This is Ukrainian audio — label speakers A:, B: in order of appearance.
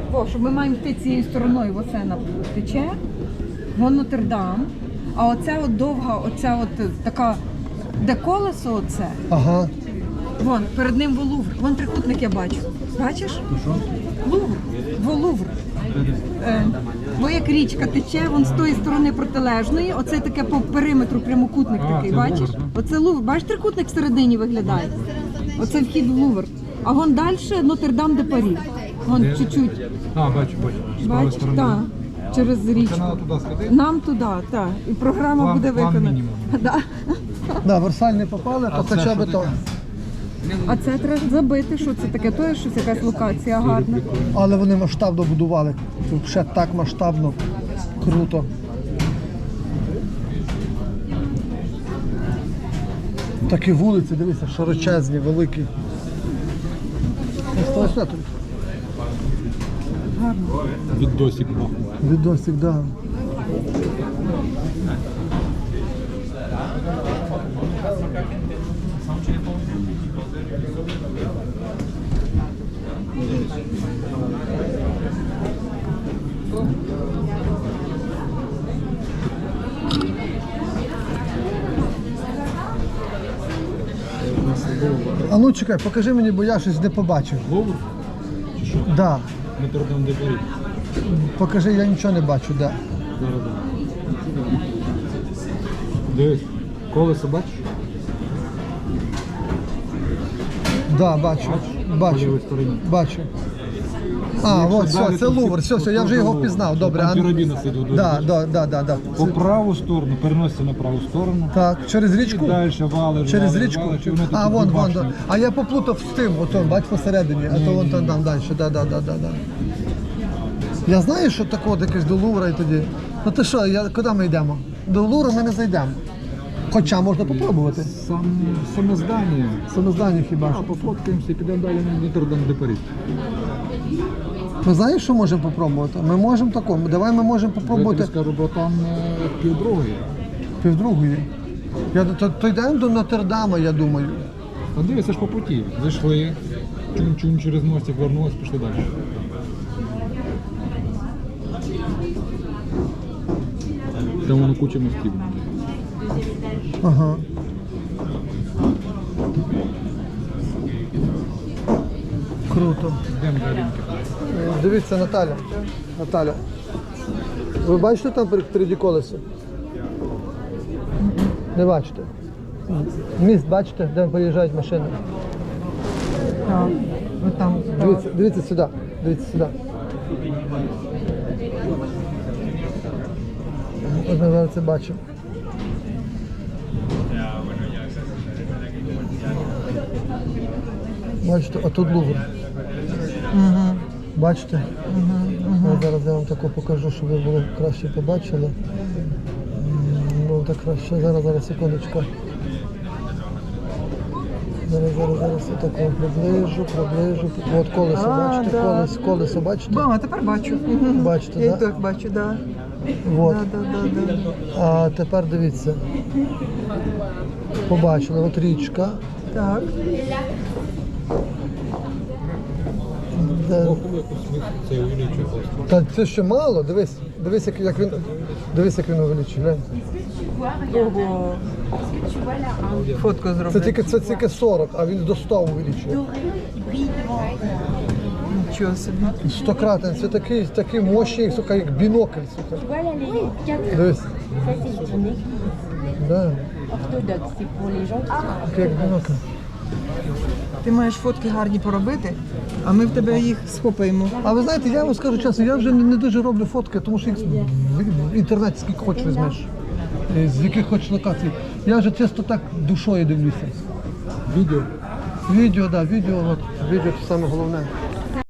A: О, що ми маємо йти цією стороною, оце тече, вон Нотр-Дам, а оце от довга, оця от така, де колесо оце,
B: Ага.
A: вон, перед ним Лувр, вон трикутник я бачу, бачиш? Лувр, Лувр. Бо як річка тече, вон з тої сторони протилежної, оце таке по периметру прямокутник такий, бачиш?
C: Лувр, да?
A: Оце Лувр, бачиш, трикутник всередині виглядає? Оце вхід в Лувр. А вон далі Нотр-Дам де Парі. Вон чуть-чуть.
C: А, бачу. З правої
A: Бачиш,
C: сторони.
A: так, через
C: Це
A: річку.
C: треба туди сходити?
A: Нам туди, так. І програма
C: План-
A: буде
C: план
A: виконана.
C: мінімум.
A: Да.
B: Да, Версаль не попали, то
C: це
B: хоча
C: що
B: б то.
C: таке?
A: А це треба забити, що це таке, то є щось якась локація гарна.
B: Але вони масштабно будували. Тут ще так масштабно. Круто. Такі вулиці, дивися, широчезні, великі. Ось ось тут.
C: Відосик нахуй.
B: Відосик, да. А ну чекай, покажи мені, бо я щось не побачив.
C: Лувр? Чи що?
B: Да.
C: Нотр-Дам де Парі.
B: Покажи, я нічого не бачу, де.
C: Зараз. Дивись, колесо бачиш?
B: Да, бачу.
C: По
B: Бачу.
C: лівій стороні.
B: Бачу. А,
C: Якщо
B: от, все,
C: далі,
B: це
C: то
B: Лувр, все, я вже його впізнав. Добре.
C: Там
B: а-
C: піраміда сидить.
B: Да.
C: По праву сторону, переноситься на праву сторону.
B: Так, через
C: І
B: річку?
C: далі вали,
B: Через
C: вали,
B: річку?
C: вали, чи воно
B: А,
C: такі
B: вон,
C: башні.
B: да. А я поплутав з тим, ото, бач, посередині, а то вон там далі. Да. Я знаю, що таке якесь до Лувра і тоді. Ну ти що, куди ми йдемо? До Лувра ми не зайдемо. Хоча можна попробувати.
C: Саме здання.
B: Самоздання хіба
C: А,
B: що.
C: пофоткаємося і підемо далі на Нотр-Дам де Парі.
B: Ми знаєш, що можемо попробувати? Ми можемо такому. Давай ми можемо
C: Я
B: попробувати
C: тобі скажу, бо там півдругої.
B: півдругої. То йдемо до Нотр-Дама, я думаю.
C: А дивися ж по путі. Зайшли, чум-чум через мостик, вернулись, пішли далі. Там воно куча мостів.
B: Ага. Круто.
C: Йдемо до ринки.
B: Дивіться, Наталя. Ви бачите там впереді колесо? Не бачите? Міст бачите, де приїжджають машини?
A: Так. Ви там.
B: Дивіться сюди. Ось ми зараз це бачимо. Бачите, а тут Лувр. Бачите? Ось зараз я вам таку покажу, щоб ви було краще побачили. Ну так краще. Зараз, секундочку. Зараз я так вам приближу. От колесо, бачите?
A: да.
B: Колесо, бачите?
A: А тепер бачу.
B: Бачите,
A: Я і
B: так?
A: так бачу, так.
B: От.
A: Да.
B: А тепер дивіться. Побачили, от річка.
A: Так.
B: Де-
C: Це увеличує просто.
B: Та це ще мало, дивись, як він увеличує. Глянь.
A: Ого. Фотку зроблю.
B: Це тільки 40, а він до 100 увеличує.
A: Нічого собі.
B: 100-кратний, це такий мощний, сука, як бінокль, сука.
D: Voilà les quatre.
B: Дивись,
D: Ça, c'est une église
B: да,
D: orthodoxe. C'est pour les gens qui sont
B: як бінокль.
A: Ти маєш фотки гарні поробити, а ми в тебе їх схопаємо.
B: А ви знаєте, я вам скажу чесно, я вже не дуже роблю фотки, тому що їх в інтернеті скільки хочеш візьмеш, з яких хочеш локацій. Я вже чисто так душою дивлюся.
C: Відео.
B: Відео це саме головне.